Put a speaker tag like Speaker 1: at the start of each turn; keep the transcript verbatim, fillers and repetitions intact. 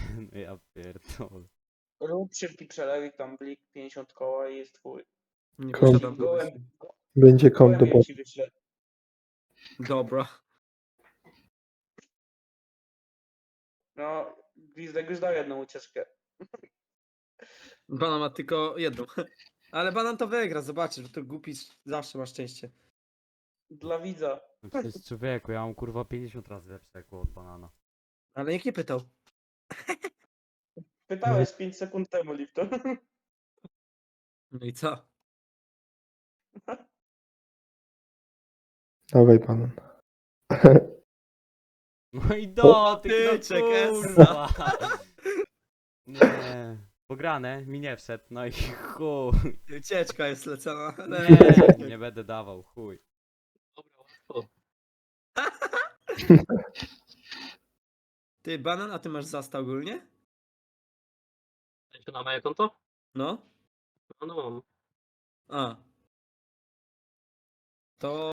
Speaker 1: No ja pierdolę.
Speaker 2: Rób szybki przelewik, tam blik pięćdziesiąt koła i jest twój.
Speaker 3: Nie
Speaker 4: Kom-
Speaker 3: posiadam
Speaker 2: Gołem,
Speaker 3: pomysłu.
Speaker 4: Będzie konto,
Speaker 2: gołem
Speaker 4: bo
Speaker 2: ja ci wyślę.
Speaker 3: Dobra.
Speaker 2: No, Gwizdek już dał jedną ucieczkę.
Speaker 3: Banan ma tylko jedną. Ale banan to wygra, zobaczysz, bo to głupi zawsze ma szczęście.
Speaker 2: Dla widza.
Speaker 1: No przecież człowieku, ja mam kurwa pięćdziesiąt razy lepszego od banana.
Speaker 3: Ale nikt nie pytał.
Speaker 2: Pytałeś pięć sekund temu, Lipton.
Speaker 3: No i co?
Speaker 4: dawaj pan.
Speaker 1: No i dotyk, no
Speaker 3: Patyczek,
Speaker 1: kurwa. Nie. Pograne, mi nie wszedł, no i chuj.
Speaker 3: Ucieczka jest lecona.
Speaker 1: Nie, nie będę dawał, chuj.
Speaker 5: Dobra, łatwo.
Speaker 3: Ty, banan, a ty masz zasta ogólnie?
Speaker 5: Na moje konto?
Speaker 3: No?
Speaker 5: No, no mam.
Speaker 3: A. To